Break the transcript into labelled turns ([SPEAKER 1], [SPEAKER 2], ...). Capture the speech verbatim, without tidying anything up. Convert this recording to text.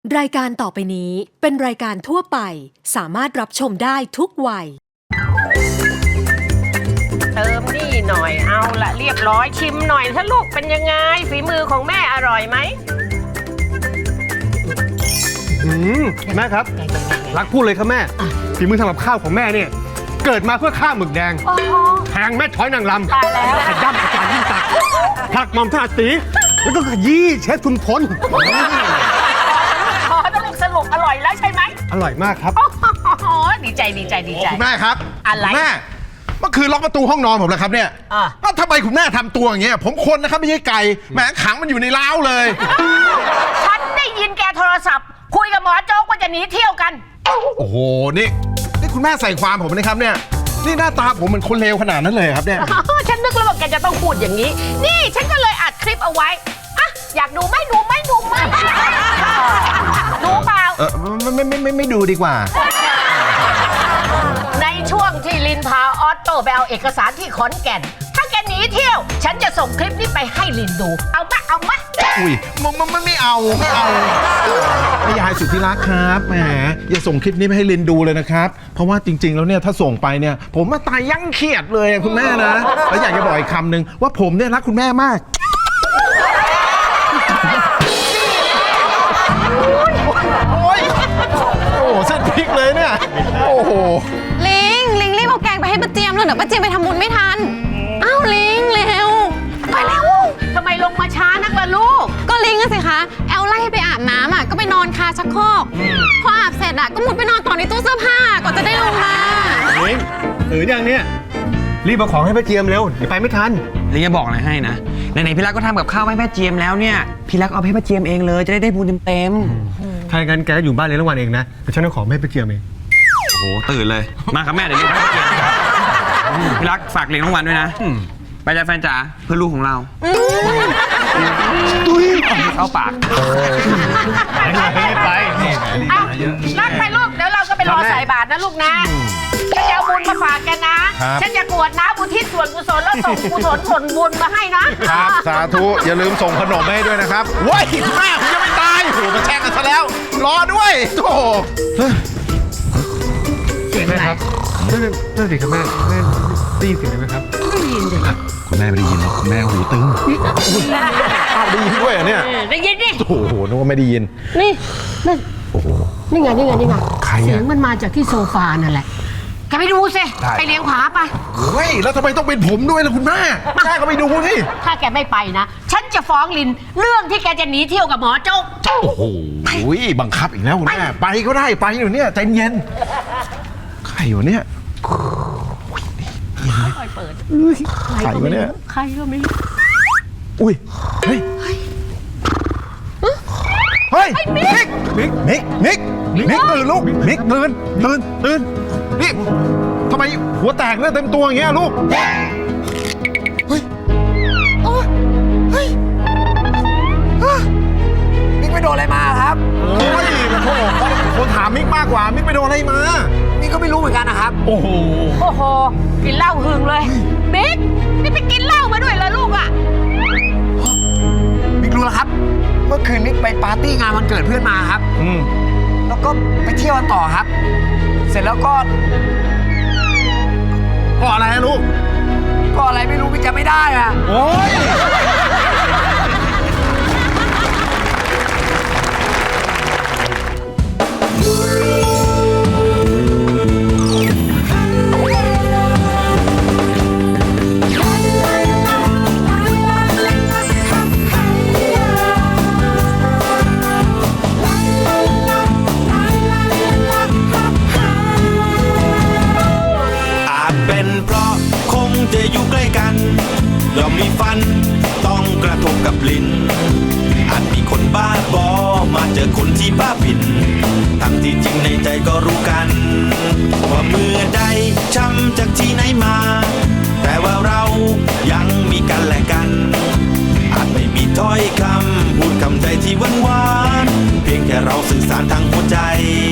[SPEAKER 1] รายการต่อไปนี้เป็นรายการทั่วไปสามารถรับชมได้ทุกวัย
[SPEAKER 2] เติมนี่หน่อยเอาละเรียบร้อยชิมหน่อยถ้าลูกเป็นยังไงฝีมือของแม่อร่อยไหม
[SPEAKER 3] อืมแม่ครับรักพูดเลยครับแม่ฝีมือทำกับข้าวของแม่เนี่ยเกิดมาเพื่อข้าวหมึกแดงแทงแม่ช้อยนางรำ
[SPEAKER 2] ตายแล้ว
[SPEAKER 3] ขย้ำอาจารย์ยิ่งศักดิ์ผักหม่อมถนัดตีแล้วก็ขยี้เชฟคุณพล
[SPEAKER 2] พอถ้าลูกสรุปอร่อยแล้วใช่ไหม
[SPEAKER 3] อร่อยมากครับ
[SPEAKER 2] โอ้ดีใจดีใจดีใจ
[SPEAKER 4] คุณแม่ครับ
[SPEAKER 2] อะไร
[SPEAKER 4] คุณแม่เมื่อคืนล็อกประตูห้องนอนผมแล้วครับเนี่ย
[SPEAKER 2] อ่ะ
[SPEAKER 4] แล้วทำไมคุณแม่ทำตัวอย่างเงี้ยผมคนนะครับไม่ใช่ไก่แหมขังมันอยู่ในเล้าเลย
[SPEAKER 2] ฉันได้ยินแกโทรศัพท์ คุยกับหมอโจ๊กว่าจะหนีเที่ยวกัน
[SPEAKER 4] โอ้โหนี่นี่คุณแม่ใส่ความผมนะครับเนี่ยนี่หน้าตาผมเหมือนคนเลวขนาดนั้นเลยครับเนี่ย
[SPEAKER 2] ฉันนึกแล้วว่าแกจะต้องพูดอย่างนี้ นี่ฉันก็เลยอัดคลิปเอาไว้อะอยากดูไหมดูไหมดูไหมดูเปล่า
[SPEAKER 4] เออไม่ไม่ไม่ไม่ไม่ดูดีกว่า
[SPEAKER 2] ในช่วงที่ลินพาออตโต้ไปเอาเอกสารที่ขอนแก่น ถ้าแกหนีเที่ยว ฉันจะส่งคลิปนี้ไปให้ลินดู เอาปะเอามะ
[SPEAKER 4] อุ้ยมันมันมันไม่เอาไม่เอาแม่ยายสุดที่รักครับแหมอย่าส่งคลิปนี้ไปให้ลินดูเลยนะครับเพราะว่าจริง ๆ แล้วเนี่ยถ้าส่งไปเนี่ยผมมาตายยั่งเครียดเลยอะคุณแม่นะแล้วอยากจะบอกอีกคำหนึ่งว่าผมเนี่ยรักคุณแม่มากโอ้ยโอ้โหเส้นพริกเลยเนี่ยโอ้โห
[SPEAKER 5] ลิง ลิงรีบเอาแกงไปให้ป้าเจียมเลยเดี๋ยวป้าเจียมไปทำบุญไม่ทัน อ้าวลิงเร็ว
[SPEAKER 2] ไปแล้วทำไมลงมาช้านักล่ะลูก
[SPEAKER 5] ก็ลิงอะสิคะ แอลไล่ให้ไปอาบน้ำอ่ะ ก็ไปนอนคาชักโครกพออาบเสร็จอ่ะ ก็มุดไปนอนต่อในตู้เสื้อผ้าก่อนจะได้ลงมา
[SPEAKER 3] ลิงตื่นยังเนี่ยรีบเอาของให้ป้าเจียมเร็วเดี๋ยวไปไม่ทัน
[SPEAKER 6] ลิงจะบอกอะไรให้นะไหนๆพี่รักก็ทำกับข้าวให้แม่เจียมแล้วเนี่ยพี่รักเอาให้แม่เจียมเองเลยจะได้ได้บุญเต็ม
[SPEAKER 3] ถ้าอย่างนั้นแกก็อยู่บ้านเลี้ยงรางวัลเองนะเดี๋ยวฉันเอาของให้ป้าเจียมเอง
[SPEAKER 6] ๆโอ้โหตื่นเลยมาครับแม่เดี๋ยวรีบให้แม่เจียมครับพี่รักฝากเลี้ยงรางวัลด้วยนะไปจ้าแฟนจ๋าเพื่อลูกของเราเข้าปาก
[SPEAKER 3] ไป
[SPEAKER 2] เอารักไปลูก เดี๋ยวเราก็ไปรอใส่บาตรนะลูกนะฉันจะเอาบุญมาฝากแกนะ ฉันจะกรวดน้ำอุทิศส่วนกุศลแล้วส่งกุศลผลบุญมาให้นะครับ
[SPEAKER 4] สาธุอย่าลืมส่งขนมให้ด้วยนะครับว้ายคุณแม่ผมยังไม่ตายโอ้โหมาแช่งกันซะแล้ว รอด้วยโอ้โห
[SPEAKER 2] เสียง
[SPEAKER 3] แม่
[SPEAKER 2] อะไร
[SPEAKER 3] ครับนั่นนั่นสิครับแม่แม่ได้ยินเสียงไหมครับ
[SPEAKER 2] ได้ยินดิ
[SPEAKER 4] คุณแม่ไม่ได้ยินหรอกคุณแม่หูตึงอ้าวได้ยินด้วยเหรอเนี่ย
[SPEAKER 2] ได้ยินดิ
[SPEAKER 4] โอ้โหนึกว่าไม่ได้ยิน
[SPEAKER 2] นี่นั่นนี่ไงนี่ไงนี่ไง
[SPEAKER 4] ใครอะ
[SPEAKER 2] เสียงมันมาจากที่โซฟานั่นแหละแกไปดูสิ
[SPEAKER 4] ได้
[SPEAKER 2] ไปเลี้ยงผาไป
[SPEAKER 4] เฮ้ยแล้วทำไมต้องเป็นผมด้วยล่ะคุณแม่แม่ก็ไปดูนี่
[SPEAKER 2] ถ้าแกไม่ไปนะ ฉันจะฟ้องลินเรื่องที่แกจะหนีเที่ยวกับหมอโจ๊ก
[SPEAKER 4] โอ้โหบังคับอีกแล้วคุณแม่ไปก็ได้ไปอยู่เนี่ยใจเย็นใครอยู่เนี่ย
[SPEAKER 2] ค่อยเปิด
[SPEAKER 4] ใครวะเนี่ย
[SPEAKER 2] ใครก็ไม่รู้
[SPEAKER 4] อุ้ยเฮ้ยเฮ้ยมิกมิกมิกมิกมิกตื่นลูกมิกตื่นตื่นตื่นนี่ทำไมหัวแตกเลือดเต็มตัวอย่างเงี้ยลูกเฮ้ยโอ้ยเฮ้ย
[SPEAKER 6] มิกไปโดนอะไรมาครับ
[SPEAKER 4] โอ้ยโอ้โหคนถามมิกมากกว่ามิกไปโดนอะไรมา
[SPEAKER 6] มิกก็ไม่รู้เหมือนกันนะครับ
[SPEAKER 4] โอ้โห
[SPEAKER 2] โอ้โหกินเหล้าหึงเลยบิ๊กนี่ไปกินเหล้ามาด้วยเหรอลูกอ่ะ
[SPEAKER 6] มิกรู้แล้วครับเมื่อคืนมิกไปปาร์ตี้งานวันเกิดเพื่อนมาครับ
[SPEAKER 4] อืม
[SPEAKER 6] แล้วก็ไปเที่ยวกันต่อครับ เสร็จแล้วก็
[SPEAKER 4] ก็อะไรนะลูก
[SPEAKER 6] ก็อะไรไม่รู้มิกจำไม่ได้อะ
[SPEAKER 4] โอ้ย
[SPEAKER 7] อาจเป็นเพราะคงจะอยู่ใกล้กันย่อมมีฟันต้องกระทบกับลิ้นอาจมีคนบ้าบอมาเจอคนที่บ้าบินทั้งที่จริงในใจก็รู้กันว่าเมื่อใดช้ำจากที่ไหนมา แต่ว่าเรายังมีกันและกัน อาจไม่มีถ้อยคำพูดคำใจที่หวานหวานเพียงแค่เราสื่อสารทางหัวใจ